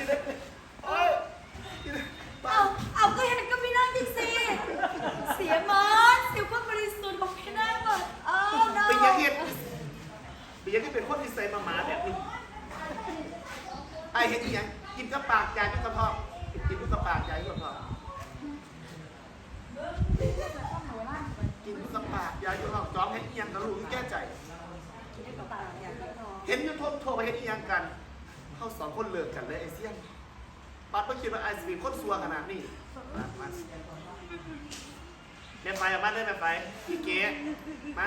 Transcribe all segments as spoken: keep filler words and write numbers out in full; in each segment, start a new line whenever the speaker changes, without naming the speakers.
เอาเอาก็เห็นก็ไม่นั่งจริงสิเสียมันเสียความบริสุทธิ์ของพี่นั่งหมดอ้าวน้อง
เป็นยังไงเป็นยังไงเป็นคนที่ใส่มาหมาแบบนี้ไอ้เห็นยังกินกับปากยายกับกระเพาะกินกับปากยายกับกระเพาะกินกับปากยายกับกระเพาะจ้องเห็นยังกระรู้แก้ใจเห็นยูทูบโทรไปเห็นยังกันเขาสองคนเลิกกันเลยไอเซียนปัดเพิ่งคิดว่าไอซีคนซัวขนาดนี้แม่ไฟมาเลยแม่ไฟพี่เก๋มา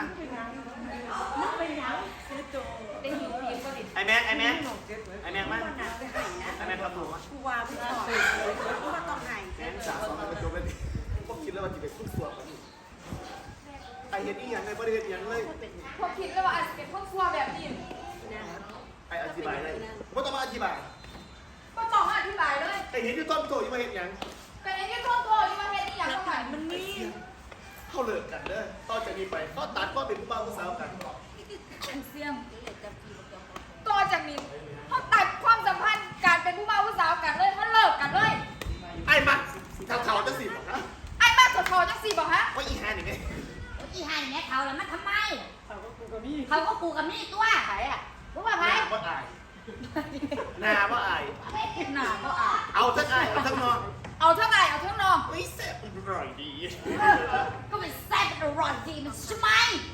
ไอแม็กไอแม็กไอแม็กมาไอแม็กทำหนูวะ
กูว่าพี่ต่อกูว่าต้องไห้
แม็กสาวสองมาเป็นโจเป็นพวกคิดแล้วว่าจะเป็นคนซัวกันไอเห็นอีหยังไงไม่ได้เห็นยังเลย
พวกคิดแล้วว่าอาจจะเป็นพวกครัวแบบนี้
ไออธิบายเลยไม่ต้องมาอธิบาย
ก็ต้องมาอธิบายเลย
ไอเห็นยูทูบโทรยังไม่เห็นยัง
แต่ในที่โทษโทษที่มาเฮ็ดนี่อย่างเท่าไหร่
มันนี่
เขาเลิกกันเด้อต่อจากนี้ไปก็ตัดก็เป็นผู้บ่าวผู้สาวกัน
เสียง
ต่อจากนี้เขาตัดความสัมพันธ์การเป็นผู้บ่าวผู้สาวกันเลยเขาเลิกกันเลย
ไอ้มัดทางเขาจะสิบอกนะ
ไอ้บ้าถอดถอดจังสี่บอกฮะ
ว่าอีแฮนยังไง
อีห่าอย่างเงี้ยเขาแล้วมันทำไม
เขาก็กูกับมี่
เขาก็กูกับนี่ตัวไผ่อะรู้ป่ะ
ห
ไผ่
น้าว่าอายหน้าว่าอาย
หนาก็อ่ะ
เอาทั้งอายเอาทั้งนอน
เอาเท่าไหร่เอาเท่านอง
เฮ้ยแซ่บอร่อยดี
ก็เป็นแซ่บอร่อยดีมันใช่ไหม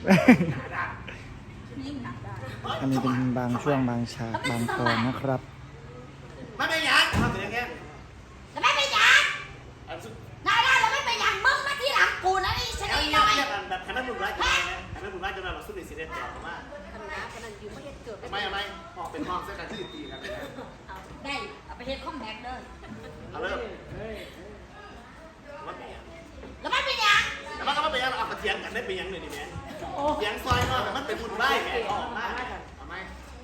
ยิ่งหนักได้
อันนี้เป็นบางช่วงบางฉากบางตอนนะครับ
มันเป็นยังทำเป็นยังไง
แล้วไม่เป็นอย่าง
อันสุด
นายได้แล้วไม่เป็นอย่างมึงมาที่หลังกูนะนี่ฉัน
แล้ว
นี่
เงี
ห
ยบ
น่อย
เงียบอันแบบคณะบุญร้ายจะไงนะคณะบุญร้ายจะมาเราสู้ในสีแดงต่อมา
ขนาดขนาดอยู่ไม่เห็นเกิด
ทำไมทำไมหอกเป็นหอกเส้นกันที่ตีกันเลย
เอาได้เอาไปเฮ็ดข้อมแม็กเด้อ
เอาเริ่ม
เฮ้ย
มันเป็นยัง
แล้วไม่เป็นอย่าง
แต่มันก็ไม่เป็นยังเอากระเทียมกันได้เป็นยังเลยดิแม่เทียงซอยนอกแต่มันเป็นบุญร้ายแม่ออกมาทำไม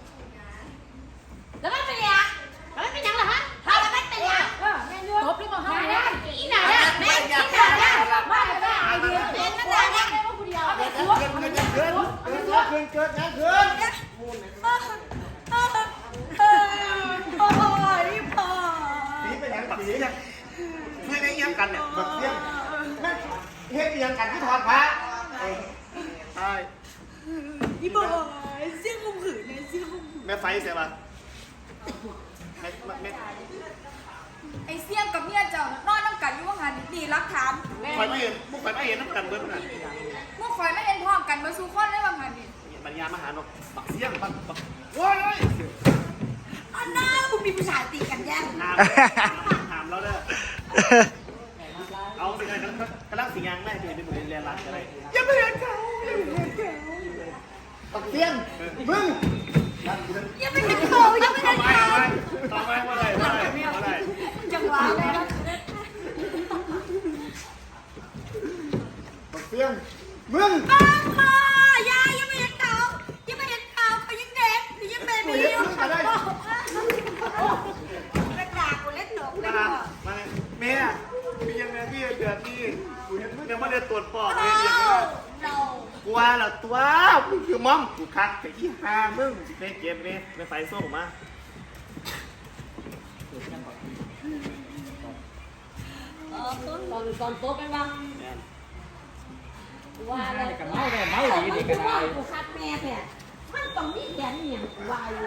แล้วไม่เป็นอย่างแล้วไม่เป็นอย่างเหรอฮะถ้าแล้วไม่เป็นอย่าง
เออแม่ยืน
ตบหรือเปล่าฮะอีหน่าเนี่ยแม่อีหน่าเนี่ยว่าแม่ไอเดียเล่นนั่นแหละเนี่ย
แม่ว่าผู้เดียว
เกิดเกิดเกิดเกิดเกิดเกิดเกิดเกิด
โอ้ยพ่อ
สีเป็นยังสียังเพื่อนไอ้ยังกันเนี่ยแบบเสียงนั่นเฮ็ดยังกันที่ถอดพระใช่
อีบอยเสียงคมขืนเนี่ยเสียงคมขืน
แม่ไฟเสียป่ะแม่แม่
ไอ้เสี่ยงกับเมียเจ้านอนน้ำกันอยู่ว่าหันดีรักถาม
ไฟไม่เห็นมุกไฟไม่เห็นน้ำกันเบิ้ลขนาด
เมื่อคอยไม่เห็นพร้อมกันมาสู่คนได้บางหันนี่
ปัญญามาหานกบักเสียงบักบักโว้ย
อันน่ามึงมีผู้ชายตีกันแย่ง
ถามถามเราเด้อเอาสิไงกำลังสิงยังแม่จะเป็นบุรีเรียนรักอะไรยังไม่เห็นเขายังไม่เห็นเขาบักเสียงมึง
ยังไม่เห็นเขายังไม่เห็น
ทำไม
เขา
ทำไมทำไมว่าอะไรว่าอะไรว่าอะไร
จังหวะเลยนะ
บักเสียงมึง
บ้าพ่อยายยังไม่เห็นเขายังไม่เห็นเขาเขายังเด็กหรือยังเบบี้อยู่เขาบอกกระดาษกูเล่นหนกเลย
มา
พ่อ
มาแม่มียังไงพี่เดือดนี่ยังไม่ได้ตรวจปอด
โอ้
เลยยังไง
เรา
กูว่าแล้วตัวมึงคือมอมกูคักแต่ที่หามึงในเกมนี้ในไฟโซ่มา
เออตอนตอนโต๊ะเป็นบ้างว่าอะไร
กับเมาแม่เมาดีดีกันได้
กูคัดแม่แท้มันต้องมีแขนเนี่ยกูว่าอยู่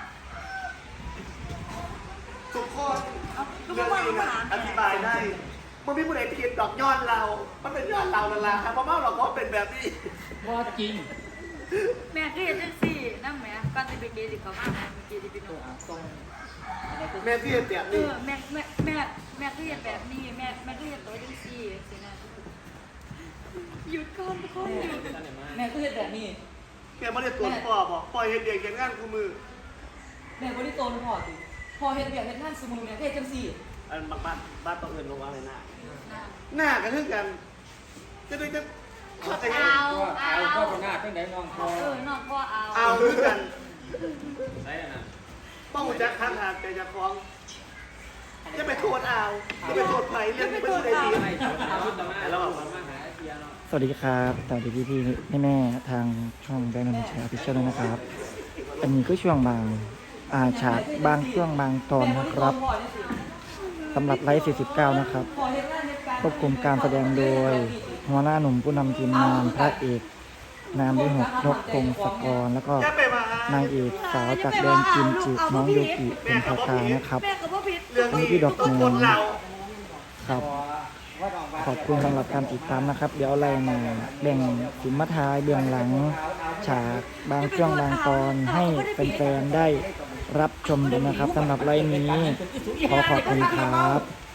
ทุกคนเรื่องนี้นะอธิบายได้มันไม่ผู้ใดผิดดอกยอดเรา มันเป็นยอดเราละล่ะเพราะว่าเราก็เป็นแบบนี้
ว่าจริง
แม่ก็เห็นจังสี่นั่นแม่ก่อนจะไปเกย์ดิเขามาแม่เกย์ดิพี่น้อง
ตรง
แม่พี่เตีย
เอ
นี่
อแม่แม่แม่แม่ก็เห็นแบบนี้แม่แม่ก็เห็นตัวจังสี่สินะหยุดก่อนทุกคนหยุด
แม่ก็เห็นแบบนี้
แม่ไม่ได้ตรวจปอดบอกปล่อยเห็นเด็กอย่างงานกูมือ
แม่ก็ได้โตนพ่อสิพอเห็นแบบเห็นท่านสมุนเนี่ยเฮ็ดจังซี่
อันบ้านบ้านต้องเอินลงว่าอะไรหน้าหน้ากันเท่ากันจะได้จะเข้าใจ
เอา
ก็
เอา
เอาก็หน้าตั้งแต่น้องพอ
เออน้องพ่อเอา
เอาด้วยกัน
ใช่นะ
ป้องจักข้างทางแต่จะคล้องจะไปโทษเอาจะไปโทษไผ่เรื่องนี้ไม่ใช่ดี
ไม่เอาต่อมาแล้วมาหาเทียเนาะ
สวัสดีครับสวัสดีพี่พี่แม่แม่ๆทางช่องแบงค์นนท์แชร์พิเชียลด้วยนะครับ อันนี้ก็ช่วงบางอ่าฉากบางช่วงบางตอนนะครับสำหรับไลฟ์สี่สิบเก้านะครับควบคุมการแสดงโดยหัวหน้าหนุ่มผู้นำทีมงานพระเอกนามด้วยหกนกพงศกรแล้วก็
อย่าไปมาน
างเอกสาวจากแดนกิมจิน้องโยกิเป็นพากานะครับ
แม่กับพ่อพิษ
เรื่องนี้
พี่ดอก
ต้อง
เงิ
คน นเรา
ครับขอบคุณสำหรับการติดตามนะครับ เดี๋ยวอะไรมาแบ่งสินมาทายเบื้องหลัง ฉากบางช่วงบางตอนให้แฟนๆได้รับชมด้วยนะครับสำหรับไลฟ์นี้ขอขอบคุณครับ